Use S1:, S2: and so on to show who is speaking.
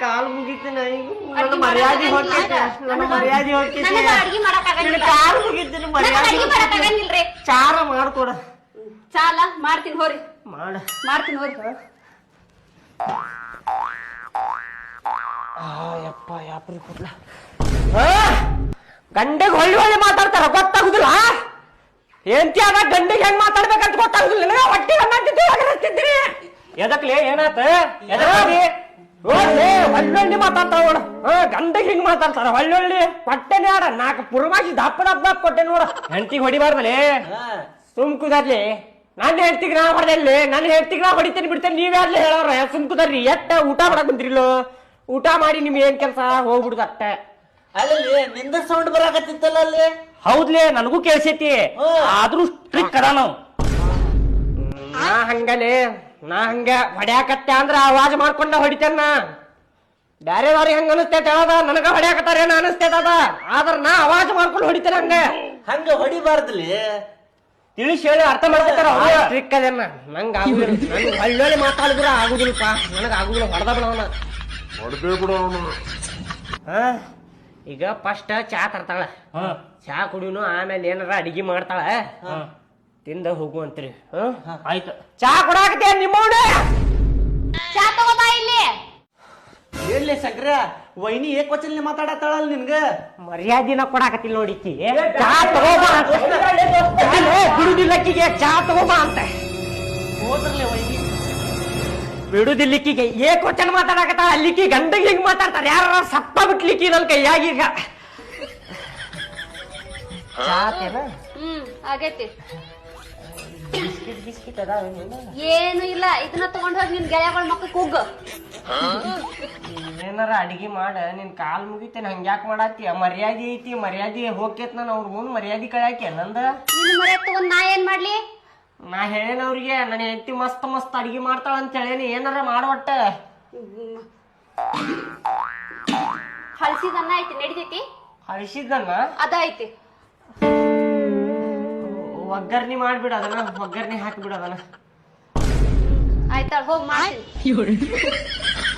S1: ಕಾಲು ಮುಗಿತೀನಿ ನನ್ನ ಮರ್ಯಾದೆ ಹೋಗ್ತೈತೆ ನನ್ನ ಮರ್ಯಾದೆ ಹೋಗ್ತೈತೆ ಕಾಲು ಮುಗಿತೀನಿ ಮರ್ಯಾದೆ ಚಾರ ಮಾಡ್ಕೊಡ
S2: ಚಾಲ ಮಾಡ್ತೀನಿ ಹೋರಿ ಮಾಡ್ತೀನಿ ಹೋರಿ
S1: ಯಪ್ಪ ಯಾಪ್ರಿ ಕೂದ್ಲ ಗಂಡೆಗೆ ಹೊಳ್ಳಿ ಮಾತಾಡ್ತಾರ ಗೊತ್ತಾಗುದಿಲ್ಲ ಏಂತಿ ಆದ ಗಂಡಿಗೆ ಹೆಂಗ್ ಮಾತಾಡ್ಬೇಕಂತ ಗೊತ್ತಾಗುದಿಲ್ಲ ನಿನಗ ಹೊಟ್ಟಿ ಹಂಗಂತಿದ್ರಿ ಎದಕ್ಲಿ ಏನಾತ ಎದಕ್ಲಿ ಹೊಳ್ಳೊಳ್ಳಿ ಮಾತಾಡ್ತಾರ ನೋಡ ಗಂಡಿಗೆ ಹಿಂಗ್ ಮಾತಾಡ್ತಾರ ಹೊಳ್ಳೊಳ್ಳಿ ಕೊಟ್ಟೆನೆ ಆಡ 4 ಪುರ್ಮಾಗಿ ದಪ್ಪ ಕೊಟ್ಟೆ ನೋಡ ಹೆಂಡತಿಗೆ ಹೊಡಿಬಾರ್ದಲೇ ಸುಮ್ ಕುದರ್ಲಿ ನನ್ನ ಹೆಂಡತಿಗೆ ನಾ ಹೊಡೆದಲ್ಲಿ ನನ್ನ ಹೆಂಡತಿಗೆ ನಾ ಹೊಡಿತೇನೆ ಬಿಡ್ತೇನೆ ನೀವ್ಯಾರ್ಲಿ ಹೇಳವ್ರ ಸುಮ್ ಕುದರ್ರಿ ಎಟ್ಟ ಊಟ ಮಾಡಕ್ ಬಂದ್ರಿಲ್ಲೋ ಊಟ ಮಾಡಿ ನಿಮ್ ಏನ್ ಕೆಲ್ಸ ಹೋಗ್ಬಿಡುದ ಅಟ್ಟ
S3: ಅಲ್ಲಿ ನಿಂದ ಸೌಂಡ್ ಬರಾಕತ್ತಿತ್ತಲ್ಲ ಅಲ್ಲಿ
S1: ಹೌದ್ಲೇ ನನಗೂ ಕೇಳ್ಸೈತಿ ಆದ್ರೂ ಸ್ಟ್ರಿಕ್ ಅದ ನಾವು ನಾ ಹಂಗ ಹೊಡ್ಯಾಕತ್ತೆ ಅಂದ್ರ ಆವಾಜ್ ಮಾಡ್ಕೊಂಡ ಹೊಡಿತೇನ ಬ್ಯಾರೆದವ್ರಿಗೆ ಹಂಗ ಅನಸ್ತೈತೆ ಹೇಳದ ನನಗ ಹೊಡ್ಯಾಕತ್ತಾರೇನ ಅನಸ್ತೈತದ ಆದ್ರ ನಾ ಆವಾಜ್ ಮಾಡ್ಕೊಂಡು ಹೊಡಿತೇನೆ
S3: ಹಂಗ ಹೊಡಿಬಾರ್ದಲ್ಲಿ
S1: ತಿಳಿಸಿ ಹೇಳಿ ಅರ್ಥ ಮಾಡ್ಕೊತಾರ ಸ್ಟ್ರಿಕ್ ಅದೇನ ನಂಗ ಆಗುದಿಲ್ಲ ನಂಗೆ ಒಳ್ಳೊಳ್ಳೆ ಮಾತಾಡಿದ್ರ ಆಗುದಿಲ್ಲಪ್ಪ ನನಗ ಆಗುದಿಲ್ಲ ಹೊಡೆದ ಬಿಡವನ ಈಗ ಫಸ್ಟ್ ಚಾ ತರ್ತಾಳ ಚಾ ಕುಡಿಯುನು ಆಮೇಲೆ ಏನಾರ ಅಡಿಗೆ ಮಾಡ್ತಾಳ ತಿಂದ ಹೋಗುವಂತ್ರಿ ಆಯ್ತು ಚಾ ಕೊಡಾಕತ್ತೇ ನಿಮ್ಮವನ
S2: ಚಾ ತಗೋಬಾ ಇಲ್ಲಿ
S3: ಹೇಳಿ ಸಕ್ರ ವೈನಿ ಏಕವಚನ ಮಾತಾಡತ್ತಾಳಲ್ಲ ನಿನ್ಗ
S1: ಮರ್ಯಾದಿನ ಕೊಡಾಕತ್ತಿಲ್ಲ ನೋಡಿಕ್ಕಿ ಚಾ ತಗೋಬಾ ಬಿಡುದಿಲ್ಲಕ್ಕಿಗೆ ಚಾ ತಗೋಬಾ ಅಂತ
S3: ಹೋದ್ರಲ್ಲೇ ವೈನಿ
S1: ಬಿಡುದಿಲ್ಲಿಕ್ಕಿಗೆ ಏಕವಚನ ಮಾತಾಡಕತ್ತ ಅಲ್ಲಿಕ್ಕಿ ಗಂಡಗೆ ಹಿಂಗ್ ಮಾತಾಡ್ತಾರ ಯಾರ ಸಪ್ಪ ಬಿಟ್ಲಿಕ್ಕಿ ನನ್ ಕೈಯಾಗೀಗ
S2: ಆಗೈತಿ
S1: ಬಿಸ್ಕಿಟ್
S2: ಏನು ಇಲ್ಲ ಇದನ್ನ ತಗೊಂಡ್ ಹೋಗಿ ನಿನ್ ಗೆಳೆಯಗಳ ಮಕ್ಕ ಕುಗ್ಗ
S1: ಏನಾರ ಅಡಿಗೆ ಮಾಡ ನಿನ್ ಕಾಲ್ ಮುಗಿತೇನೆ ಹಂಗ್ಯಾಕ್ ಮಾಡಾತಿ ಮರ್ಯಾದೆ ಐತಿ ಮರ್ಯಾದೆ ಹೋಗ್ತೇತ್ ನಾನು ಅವ್ರ ಮುಂದ್ ಮರ್ಯಾದೆ ಕಳ್ಯಾಕೆ ನಂದ
S2: ನಿನ್ ಮರ್ಯಾದ ತಗೊಂಡ್ ನಾ ಏನ್ ಮಾಡ್ಲಿ
S1: ನಾ ಹೇಳೇನ ಅವ್ರಿಗೆ ನನ್ನ ಹೆಂಡತಿ ಮಸ್ತ್ ಅಡಿಗೆ ಮಾಡ್ತಾಳ ಅಂತ ಹೇಳೇನಿ ಏನಾರ ಮಾಡವಟ್ಟ
S2: ಹಳಸಿದನ್ನ ಐತಿ ನಡಿತೈತಿ
S1: ಹಳಿಸಿದ್ದನ್ನ
S2: ಅದ ಐತಿ
S1: ಒಗ್ಗರ್ನಿ ಮಾಡ್ಬಿಡ ಅದನ್ನ ಒಗ್ಗರ್ನಿ ಹಾಕ್ಬಿಡ ಅದನ್ನ
S2: ಆಯ್ತಾಳ ಹೋಗ್ ಮಾಡ್ತೀನಿ